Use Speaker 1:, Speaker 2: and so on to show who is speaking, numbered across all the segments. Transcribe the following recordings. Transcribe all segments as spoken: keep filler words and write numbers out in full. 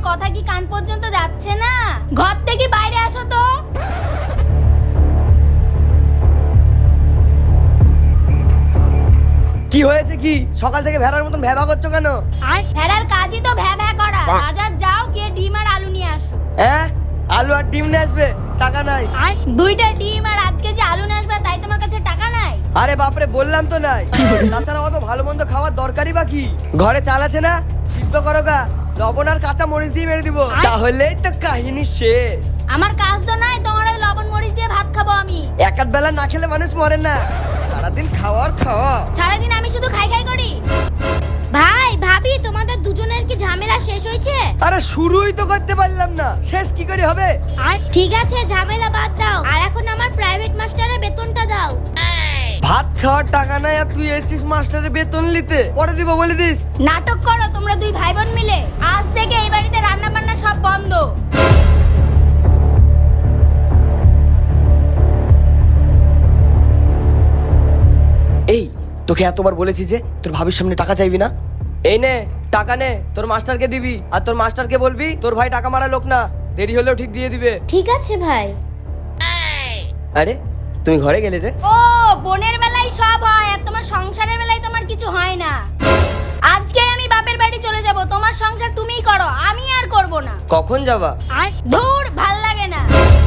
Speaker 1: কথা কি কান পর্যন্ত যাচ্ছে না? ঘর থেকে বাইরে আসো তো।
Speaker 2: কি হয়েছে কি? সকাল থেকে ভেড়ার মতন ভ্যাবা করছো কেন?
Speaker 1: ভেড়ার কাজই তো ভ্যা ভ্যা করা। বাজার যাও, গিয়ে ডিম আর আলু নিয়ে আসো।
Speaker 2: হ্যাঁ, আলু আর ডিম নিয়ে আসবে, টাকা নাই।
Speaker 1: দুইটা ডিম আর আধ কেজি আলু নিয়ে আসবে, তাই তোমার কাছে টাকা নাই?
Speaker 2: আরে বাপরে, বললাম তো নাই। তাছাড়া অত ভালো মন্দ খাওয়ার দরকারই বা কি? ঘরে চাল আছে না, সিদ্ধ করো গা, লবণ আর কাঁচা মরিচ দিয়ে মেরে দিব, তাহলেই তো কাহিনী শেষ।
Speaker 1: আমার কাজ তো নাই, তোমার ওই লবণ মরিচ দিয়ে ভাত খাবো আমি।
Speaker 2: এক আধ বেলা না খেলে মানুষ মরে না, সারাদিন খাওয়ার খাওয়া।
Speaker 1: সারাদিন আমি শুধু খাই খাই করি। ভাই ভাবি, তোমাদের দুজনের কি ঝামেলা শেষ হয়েছে?
Speaker 2: আরে শুরুই তো করতে পারলাম না, শেষ কি করে হবে?
Speaker 1: ঠিক আছে, ঝামেলা বাদ দাও, আর এখন আমার প্রাইভেট মাস্টারের বেতনটা দাও।
Speaker 2: ভাত খাওয়ার টাকা নাই আর তুই এসিস মাস্টারের বেতন নিতে? পরে দিব বলে দিস।
Speaker 1: নাটক করো তোমরা দুই ভাই বোন মিলে। আজ থেকে এই বাড়িতে রান্না বান্না সব বন্ধ।
Speaker 2: এই, তোকে এতবার বলেছি যে তোর ভাবির সামনে টাকা চাইবি না। এই নে টাকা নে, তোর মাস্টারকে দিবি, আর তোর মাস্টারকে বলবি তোর ভাই টাকা মারা লোক না, দেরি হলেও ঠিক দিয়ে দিবে।
Speaker 1: ঠিক আছে ভাই।
Speaker 2: আরে তুমি ঘরে গেলে যে?
Speaker 1: ও, বোনের বেলায় সব হয়, আর তোমার সংসারের বেলায় তোমার কিছু হয় না। আজকে আমি বাপের বাড়ি চলে যাব, তোমার সংসার তুমিই করো, আমি আর করব না।
Speaker 2: কখন যাবা?
Speaker 1: ধুর, ভাল লাগে না।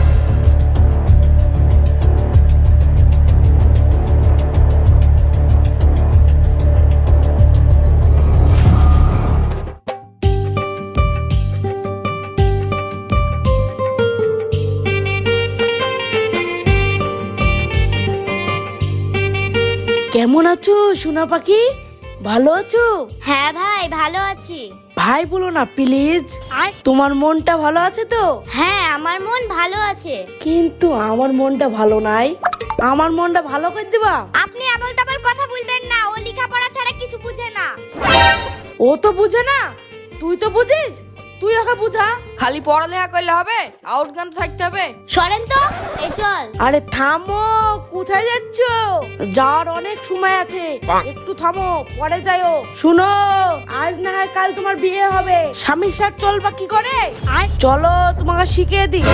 Speaker 3: কেমন আছো সোনা পাখি? ভালো আছো?
Speaker 1: হ্যাঁ ভাই, ভালো আছি।
Speaker 3: ভাই বলো না প্লিজ। তোমার মনটা ভালো আছে তো?
Speaker 1: হ্যাঁ, আমার মন ভালো আছে।
Speaker 3: কিন্তু আমার মনটা ভালো নাই, আমার মনটা ভালো করে দিবা।
Speaker 1: আপনি আবল তাবল কথা বলবেন না, ও লেখাপড়া ছাড়া কিছু বুঝে না।
Speaker 3: ও তো বুঝে না, তুই তো বুঝিস, তুই ওকে বুঝা।
Speaker 4: খালি পড়ালেখা করলে হবে? আউটগান থাকতে হবে।
Speaker 1: সরেন তো, এই চল।
Speaker 3: আরে থামো, কোথায় যাচ্ছ? যাওয়ার অনেক সময় আছে, একটু থামো, পরে যাইও। শুনো, আজ না হয় কাল তোমার বিয়ে হবে, স্বামীর সাথে চলবা কি করে? চলো তোমাকে শিখিয়ে দিই।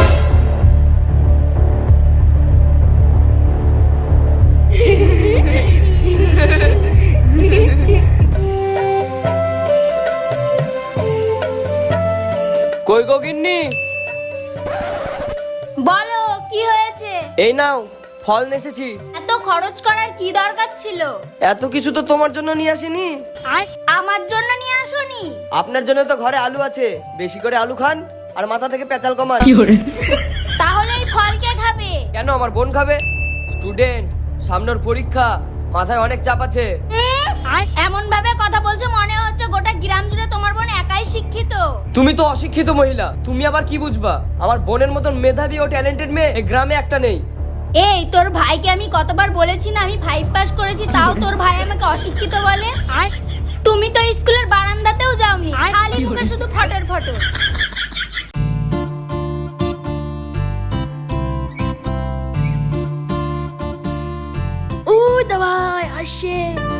Speaker 2: কই গো গিন্নি?
Speaker 1: বলো কি হয়েছে?
Speaker 2: এই নাও ফল নেসেছি।
Speaker 1: এত খরচ করার কি দরকার ছিল?
Speaker 2: এত কিছু তো তোমার জন্য নিয়ে আসিনি।
Speaker 1: আমার জন্য নিয়ে আসোনি?
Speaker 2: আপনার জন্য তো ঘরে আলু আছে, বেশি করে আলু খান আর মাথা থেকে পেঁচাল কমান।
Speaker 1: তাহলে এই ফল কে খাবে?
Speaker 2: কেন, আমার বোন খাবে? স্টুডেন্ট, সামনের পরীক্ষা, মাথায় অনেক চাপ আছে।
Speaker 1: এমন ভাবে কথা বলছো মনে হচ্ছে গোটা গ্রাম জুড়ে তোমার বোন একাই শিক্ষিত।
Speaker 2: তুমি তো অশিক্ষিত মহিলা, তুমি আবার কি বুঝবা? আমার বোনের মতন মেধাবী ও ট্যালেন্টেড মেয়ে এই গ্রামে একটা নেই।
Speaker 1: এই, তোর ভাইকে আমি কতবার বলেছি না আমি ফাইভ পাস করেছি, তাও তোর ভাই আমাকে অশিক্ষিত বলে। তুমি তো স্কুলের বারান্দাতেও যাওনি, খালি মুখে শুধু ফটর ফটর।
Speaker 3: ওই দাবাই আসে।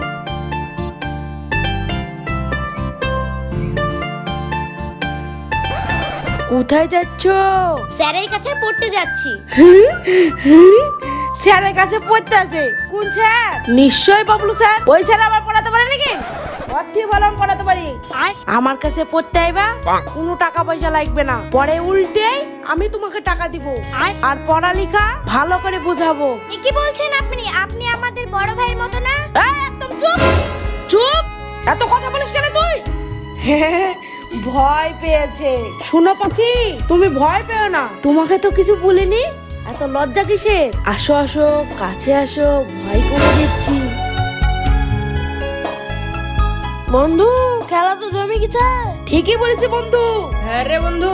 Speaker 3: কোথায় যাচ্ছ?
Speaker 1: স্যারের কাছে পড়তে যাচ্ছি।
Speaker 3: স্যারের কাছে পড়তে আছে? কোন স্যার? নিশ্চয়ই বাবলু স্যার। ওই স্যার আবার পড়াতে পারে নাকি? অতি বললাম পড়াতে পারি। আমার কাছে পড়তে আইবা, কোনো টাকা পয়সা লাগবে না, পরে উল্টেই আমি তোমাকে টাকা দিব, আর পড়ালেখা ভালো করে বুঝাবো।
Speaker 1: কি বলছেন আপনি? আপনি আমাদের বড় ভাইয়ের মতো না?
Speaker 3: এই, একদম চুপ চুপ, এত কথা বলিস কেন তুই? ভয় পেয়েছে। শোনো পাখি, তুমি ভয় পেও না, তোমাকে তো কিছু বলিনি, এত লজ্জা কিসের? আসো আসো, কাছে আসো, ভয় করে দিচ্ছি। বন্ধু, খেলা তো জমে গেছে। ঠিকই বলেছি বন্ধু।
Speaker 4: হ্যাঁ রে বন্ধু।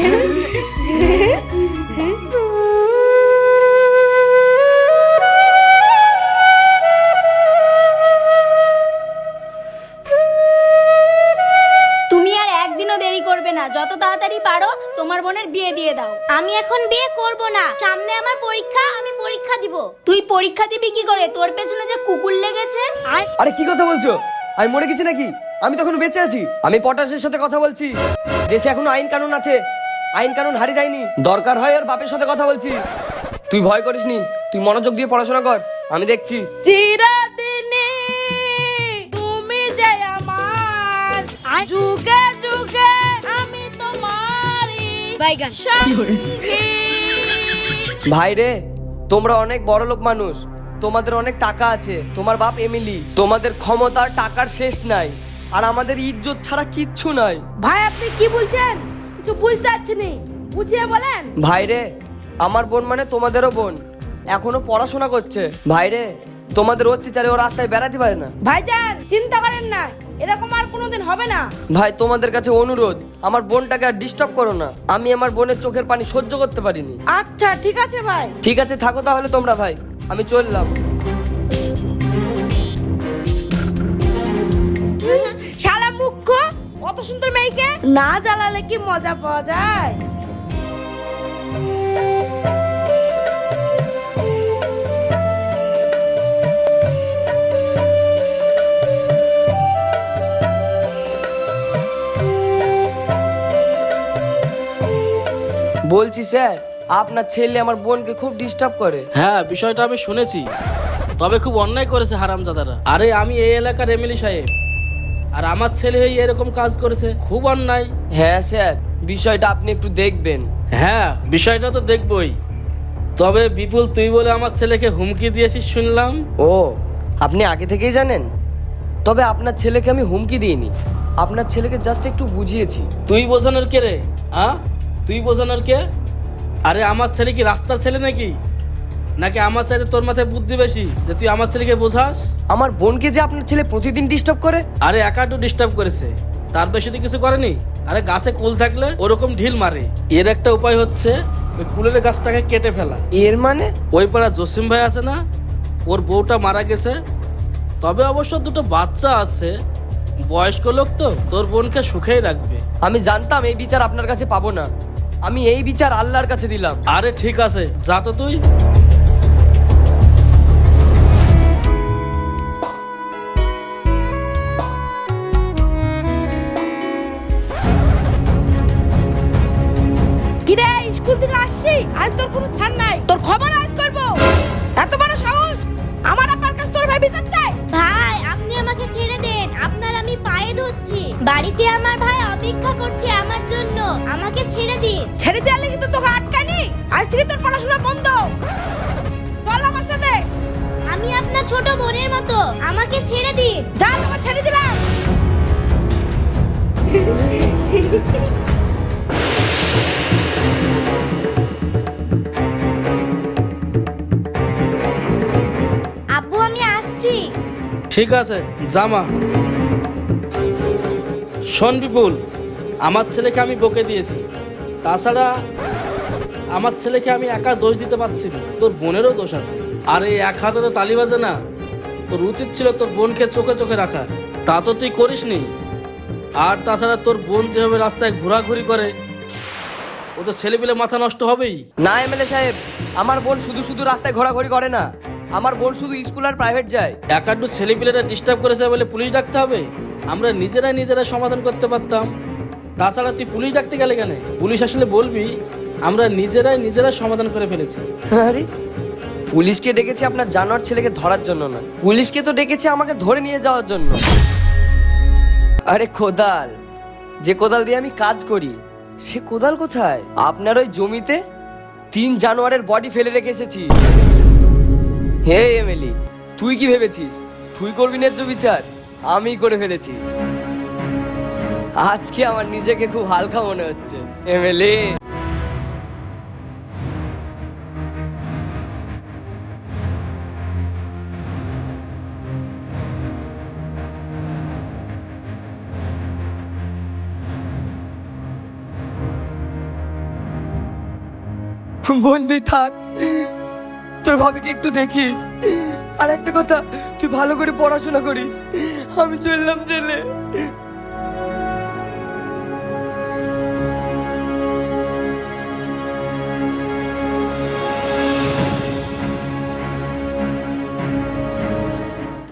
Speaker 1: তুমি আর একদিনও দেরি করবে না, যত তাড়াতাড়ি পারো তোমার বোনের বিয়ে দিয়ে দাও। আমি এখন বিয়ে করব না, সামনে আমার পরীক্ষা, আমি পরীক্ষা দিব। তুই পরীক্ষা দিবি কি করে? তোর পেছনে যে কুকুর লেগেছে।
Speaker 2: আরে কি কথা বলছো? আমি মরে গেছি নাকি? আমি তখন বেঁচে আছি। আমি পটাশের সাথে কথা বলছি। দেশে এখনো আইন কানুন আছে, আইন কানুন হারিয়ে যায়নি। দরকার হয় ওর বাপের সাথে কথা বলছি। তুই ভয় করিস নি, তুই মনোযোগ দিয়ে পড়াশোনা কর, আমি দেখছি।
Speaker 3: চিরদিনই তুমি যে আমার, যুগে যুগে আমি তোমারই সঙ্গী।
Speaker 2: ভাই রে, তোমরা অনেক বড় লোক মানুষ, তোমাদের অনেক টাকা আছে, তোমার বাপ এমিলি, তোমাদের ক্ষমতা আর টাকার শেষ নাই, আর আমাদের ইজ্জত ছাড়া কিচ্ছু নাই।
Speaker 3: ভাই আপনি কি বলছেন? কিছু বুঝতে পারছি নি, বুঝিয়ে বলেন।
Speaker 2: ভাই রে, আমার বোন মানে তোমাদেরও বোন, এখনো পড়াশোনা করছে। ভাই রে, তোমাদের অত্যাচারে ও রাস্তায় বেড়াতে পারে না।
Speaker 3: ভাইজান চিন্তা করেন না, এরকম আর কোনোদিন হবে না।
Speaker 2: ভাই তোমাদের কাছে অনুরোধ, আমার বোনটাকে আর ডিস্টার্ব করো না। আমি আমার বোনের চোখের পানি সহ্য করতে পারিনি।
Speaker 3: আচ্ছা ঠিক আছে ভাই।
Speaker 2: ঠিক আছে, থাকো তাহলে তোমরা। ভাই আমি চললাম।
Speaker 3: শালা মুখ্য, অত সুন্দর মেয়েকে না জ্বালালে কি মজা পাওয়া যায়?
Speaker 2: বলছি স্যার, আপনার ছেলে আমার বোনকে খুব ডিস্টার্ব করে।
Speaker 5: হ্যাঁ, বিষয়টা আমি শুনেছি, তবে খুব অন্যায় করেছে হারামজাদারা। আরে আমি এই এলাকার এমএলএ সাহেব, আর আমার ছেলে হয়ে এরকম কাজ করেছে, খুব অন্যায়।
Speaker 2: হ্যাঁ স্যার, বিষয়টা আপনি একটু দেখবেন।
Speaker 5: হ্যাঁ, বিষয়টা তো দেখবই। তবে বিপুল, তুই বলে আমার ছেলেকে হুমকি দিয়েছিস শুনলাম।
Speaker 2: ও, আপনি আগে থেকেই জানেন? তবে আপনার ছেলেকে আমি হুমকি দিইনি, আপনার ছেলেকে জাস্ট একটু বুঝিয়েছি।
Speaker 5: তুই বোঝানোর কে রে? হ্যাঁ, তুই বোঝানোর কে? আরে আমার ছেলে কি রাস্তার ছেলে নাকি? নাকি আমার চাইতে তোর মাথায় বুদ্ধি বেশি যে তুই আমার ছেলেকে বোঝাস?
Speaker 2: আমার বোনকে যে আপনার ছেলে প্রতিদিন ডিস্টার্ব করে।
Speaker 5: আরে একাটু ডিস্টার্ব করেছে, তার বেশি তো কিছু করেনি। আরে গাছে কুল থাকলে ওরকম ঢিল মারে। এর একটা উপায় হচ্ছে ওই কুলের গাছটাকে কেটে ফেলা।
Speaker 2: এর মানে?
Speaker 5: ওই পাড়া জসিম ভাই আছে না, ওর বউটা মারা গেছে, তবে অবশ্য দুটো বাচ্চা আছে। বয়স্ক লোক তো, তোর বোনকে সুখেই রাখবে।
Speaker 2: আমি জানতাম এই বিচার আপনার কাছে পাবো না, আমি এই বিচার আল্লাহর কাছে দিলাম।
Speaker 5: আরে ঠিক আছে, যা তো তুই।
Speaker 3: কিরে, স্কুল থেকে আসছি, আজ তোর কোনো ছাড় নাই, তোর খবর আজ করবো। এত বড় সাহস, আমার আব্বার কাছে তোর ভাই বিচার চাই।
Speaker 1: ভাই আপনি আমাকে ছেড়ে দেন, আপনার আমি পায়ে ধরছি। বাড়িতে আমার ভাই অপেক্ষা করছে আমার জন্য, আমাকে ছেড়ে দিন।
Speaker 3: ছেড়ে দেওয়ালে কিন্তু তোকে আটকানি, আজ থেকে তোর পড়াশোনা বন্ধ। চল আমার সাথে।
Speaker 1: আমি আপনার ছোট বোনের মতো, আমাকে ছেড়ে দিন।
Speaker 3: যা, তোকে ছেড়ে দিলাম।
Speaker 1: আব্বু আমি আসছি।
Speaker 5: ঠিক আছে, জামা। শোন বিপুল, আমার ছেলেকে আমি বকে দিয়েছি, তাছাড়া আমার ছেলেকে আমি একা দোষ দিতে পারছি না, তোর বোনেরও দোষ আছে। আর এই এক হাতে তো তালি বাজে না, তোর উচিত ছিল তোর বোনকে চোখে চোখে রাখার, তা তো তুই করিসনি। আর তাছাড়া তোর বোন যেভাবে রাস্তায় ঘোরাঘুরি করে, ও তো ছেলেপিলে মাথা নষ্ট হবেই।
Speaker 2: না এমএলএ সাহেব, আমার বোন শুধু শুধু রাস্তায় ঘোরাঘুরি করে না, আমার বোন শুধু স্কুল আর প্রাইভেট যায়।
Speaker 5: একাডু ছেলেপিলেরা ডিস্টার্ব করেছে বলে পুলিশ ডাকতে হবে? আমরা নিজেরাই নিজেরাই সমাধান করতে পারতাম। তাছাড়া তুই পুলিশ ডাকতে গেলে কেন? পুলিশ আসলে বলবি আমরা নিজেরাই নিজেরাই সমাধান করে ফেলেছি।
Speaker 2: আরে, পুলিশকে ডেকেছে আপনার জানোয়ার ছেলেকে ধরার জন্য না, পুলিশকে তো ডেকেছে আমাকে ধরে নিয়ে যাওয়ার জন্য। আরে কোদাল, যে কোদাল দিয়ে আমি কাজ করি, সে কোদাল কোথায়? আপনার ওই জমিতে তিন জানোয়ারের বডি ফেলে রেখে এসেছি। হে এমএলএ, তুই কি ভেবেছিস তুই করবি ন্যায্য বিচার? আমি করে ফেলেছি। আজকে আমার নিজেকে খুব হালকা মনে হচ্ছে এমএলএ। বলবি থাক, তোর ভাবিকে একটু দেখিস। আর একটা কথা, তুই ভালো করে পড়াশোনা করিস। আমি চললাম জেলে।